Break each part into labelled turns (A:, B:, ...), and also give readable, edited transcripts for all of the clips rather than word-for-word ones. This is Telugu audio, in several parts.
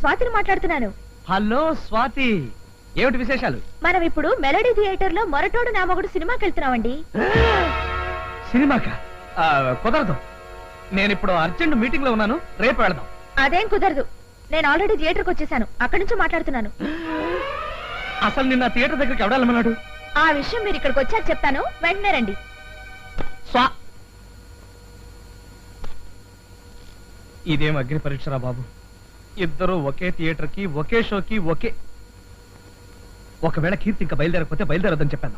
A: స్వాతిని మాట్లాడుతున్నాను.
B: హలో స్వాతి, ఏమిటి విశేషాలు?
A: మనం ఇప్పుడు మెలోడీ థియేటర్ లో మొరటోడు నా మొగుడు సినిమాకి వెళ్తున్నామండి.
B: సినిమాకా? కుదరదు, నేను ఇప్పుడు అర్జెంట్ మీటింగ్ లో ఉన్నాను, రేపు వెళదాం.
A: అదేం కుదరదు, నేను ఆల్రెడీ థియేటర్కి వచ్చేసాను, అక్కడి నుంచి మాట్లాడుతున్నాను.
B: అసలు నిన్న థియేటర్ దగ్గరికి ఎవడాలన్నాడు?
A: ఆ విషయం మీరు ఇక్కడికి వచ్చాక చెప్తాను, వెంటనే రండి.
B: ఇదేం అగ్ని పరీక్షరా బాబు, ఇద్దరు ఒకే థియేటర్ కి ఒకే షోకి ఒకే. ఒకవేళ కీర్తి ఇంకా బయలుదేరకపోతే బయలుదేరొద్దని చెప్పాను.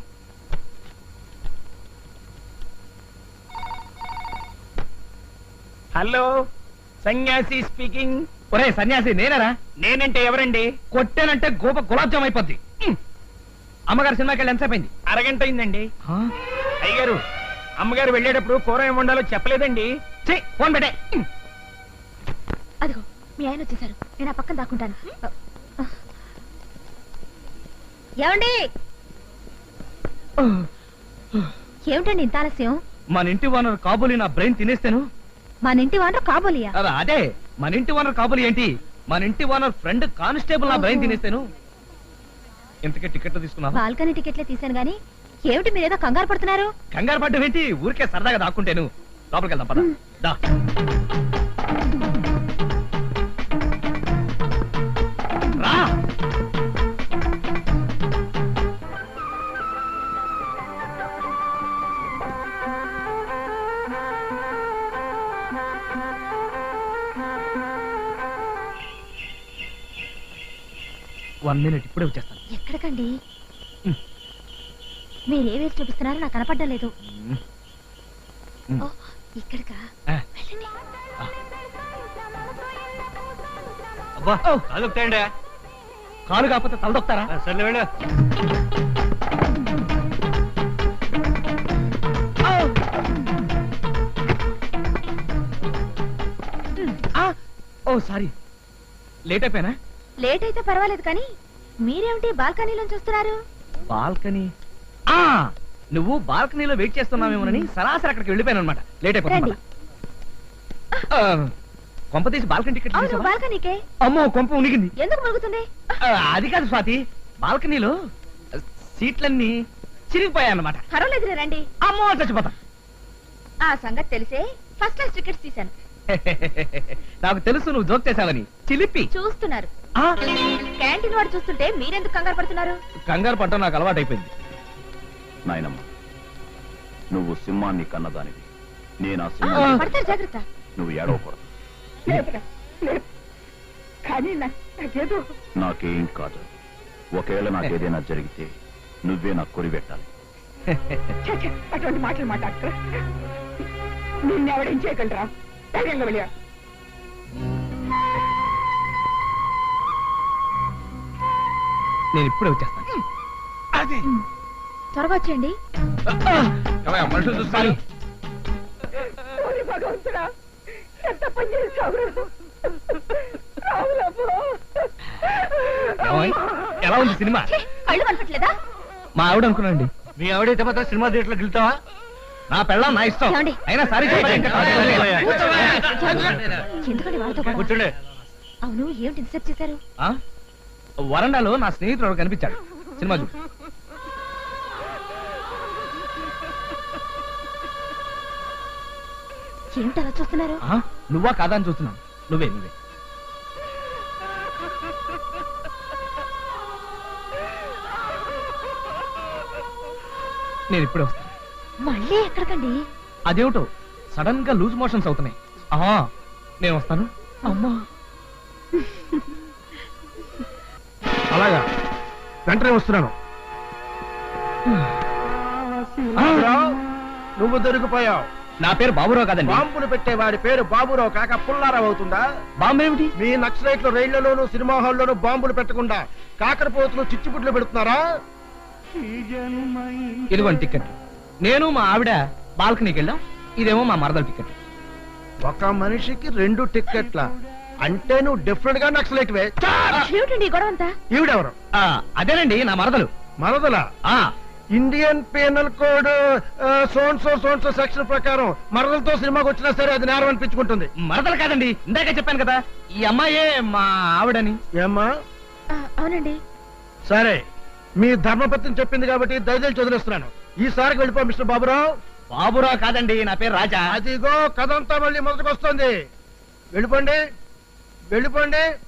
C: హలో, సన్యాసి స్పీకింగ్.
B: ఒరే సన్యాసి, నేనరా?
C: నేనంటే ఎవరండి?
B: కొట్టేనంటే గోప గులాబ్ జామ్ అయిపోద్ది. అమ్మగారు సినిమాకి వెళ్ళి ఎంతసేపు అయింది?
C: అరగంట అయిందండి. అయ్యగారు, అమ్మగారు వెళ్ళేటప్పుడు కూర ఏం వండాలో చెప్పలేదండి.
B: ఫోన్ పెట్టే.
A: అదిగో మీ ఆయన వచ్చేసారు, నేను ఆ పక్కన దాక్కుంటాను. ఏమండి? ఏమిటండి ఇంత ఆలస్యం?
B: మన ఇంటి ఓనర్ కాబోలి నా బ్రెయిన్ తినేస్తాను.
A: మన ఇంటి ఓనర్ కాబోలియా?
B: అదే, మన ఇంటి ఓనర్ కాబోలి ఏంటి, మన ఇంటి ఓనర్ ఫ్రెండ్ కానిస్టేబుల్ నా బ్రెయిన్ తినేస్తాను. ఇంతకే టికెట్లు తీసుకున్నావా?
A: బాల్కనీ టికెట్లే తీసాను గానీ ఏమిటి మీరేదో కంగారు పడుతున్నారు?
B: కంగారు పడ్డం ఏంటి, ఊరికే సరదాగా దాక్కుంటేను. లోపలికి వెళ్దాం పద. దా. రా. వన్ మినిట్, ఇప్పుడే వచ్చేస్తాను.
A: ఎక్కడికండి? మీరే వేసి చూపిస్తున్నారో నాకు కనపడ్డం లేదు. ఇక్కడికా? వెళ్ళండి.
B: అబ్బా,
C: అదొక్తాయండి.
B: కాలు కాకపోతే తలదొక్తారా?
C: సర్లే వెళ్ళు.
B: ఓ సారీ, లేట్ అయిపోయానా?
A: లేట్ అయితే పర్వాలేదు కానీ మీరేమిటి బాల్కనీలోంచి చూస్తున్నారు?
B: బాల్కనీ? నువ్వు బాల్కనీలో వెయిట్ చేస్తున్నావేమోనని సరాసరి అక్కడికి వెళ్ళిపోయాను అనమాట. లేట్ అయిపోయింది. కొంప తీసి బాల్కనీ టికెట్
A: అవును, బాల్కనీకే.
B: అమ్మో, కొంప ఉనిగింది.
A: ఎందుకు మురుగుతుంది?
B: అది కాదు స్వాతి, బాల్కనీలో సీట్లన్నీ చిరిగిపోయాయన్నమాట.
A: పర్వాలేదు రండి.
B: అమ్మో, చచ్చిపోతా.
A: ఆ సంగతి తెలిసే ఫస్ట్ క్లాస్ టికెట్స్ తీశాను.
B: నాకు తెలుసు నువ్వు జోక్ చేసావని. చిలిపి
A: చూస్తున్నారు. క్యాంటీన్ వాడు చూస్తుంటే మీరెందుకు కంగారు పడుతున్నారు?
B: కంగారు పడటం నాకు అలవాటు అయిపోయింది.
D: నాయనమ్మ, నువ్వు సింహాన్ని కన్నదానివి, నేను ఆ
A: పడతారు, జాగ్రత్త.
D: నువ్వు ఏడవకూడదు. నాకేం కాదు. ఒకవేళ నాకేదైనా జరిగితే నువ్వే నాకు కొరి పెట్టాలి.
E: అటువంటి మాటలు మాట్లాడుతూ నిన్నెవడేం చేయగలరా? ధైర్యంగా వెళ్ళా.
B: నేను ఇప్పుడే వచ్చేస్తాను.
C: అది
A: త్వరగా వచ్చేయండి.
B: మనుషులు చూస్తాను.
E: భగవంతుడా, ఎంత పని చేస్తావు?
B: ఎలా ఉంది సినిమా?
A: కళ్ళు కనపట్లేదా?
B: మా ఆవిడ అనుకున్నాండి.
C: మీ ఆవిడైతే మాత్రం సినిమా థియేటర్లోకి వెళ్తావా?
B: నా పెళ్ళం నా ఇష్టం.
A: ఏమండి?
B: అయినా సారీ
A: ఎందుకండి వాళ్ళతో గొడవ?
C: కూర్చోండి.
A: అవును, ఏమిటి ఇన్సెప్ట్ చేశారు?
B: వరండాలో నా స్నేహితుడు కనిపించాడు. సినిమా చూడు.
A: ఏమిటి అలా చూస్తున్నారు?
B: నువ్వా కాదా అని చూస్తున్నాను. నువ్వే నువ్వే. నేను ఇప్పుడే వస్తాను.
A: మళ్ళీ ఎక్కడికండి?
B: అదేమిటో సడన్ గా లూజ్ మోషన్స్ అవుతున్నాయి. నేను వస్తాను. అమ్మా,
C: అలాగా, వెంటనే వస్తున్నాను. నువ్వు దొరికిపోయావు.
B: నా పేరు బాబురావు కాదండి.
C: బాంబులు పెట్టేవాడి పేరు బాబురావు కాక పుల్లారావు అవుతుందా?
B: బాంబు ఏమిటి?
C: మీ నక్సలైట్లు రైళ్లలోనూ సినిమా హాల్లోనూ బాంబులు పెట్టకుండా కాకరపోతులు చిచ్చుపుట్లు పెడుతున్నారా?
B: ఇదిగోండి టికెట్. నేను మా ఆవిడ బాల్కనీకి వెళ్ళాం. ఇదేమో మా మరదల టికెట్.
C: ఒక మనిషికి 2 టిక్కెట్ల అంటే నువ్వు డిఫరెంట్ గా నక్సలైట్ వే.
A: ఏమిటండి గొడవ అంతా?
C: ఈవిడెవరు?
B: అదేనండి నా మరదలు.
C: మరదలా? ఇండియన్ పీనల్ కోడ్ సోన్సో సెక్షన్ ప్రకారం మరదలతో సినిమాకి వచ్చినా సరే అది నేరం అనిపించుకుంటుంది.
B: మరదలు కాదండి, ఇందాక చెప్పాను కదా ఈ అమ్మాయే మా ఆవిడని.
C: ఏమ్మా?
A: అవునండి.
C: సరే, మీ ధర్మపత్ని చెప్పింది కాబట్టి దయచేసి వదిలేస్తున్నాను. ఈసారికి వెళ్ళిపో మిస్టర్ బాబురావు.
B: బాబురావు కాదండి, నా పేరు రాజా.
C: అదిగో కథంతా మళ్ళీ మొదటికి వస్తుంది. వెళ్ళిపోండి.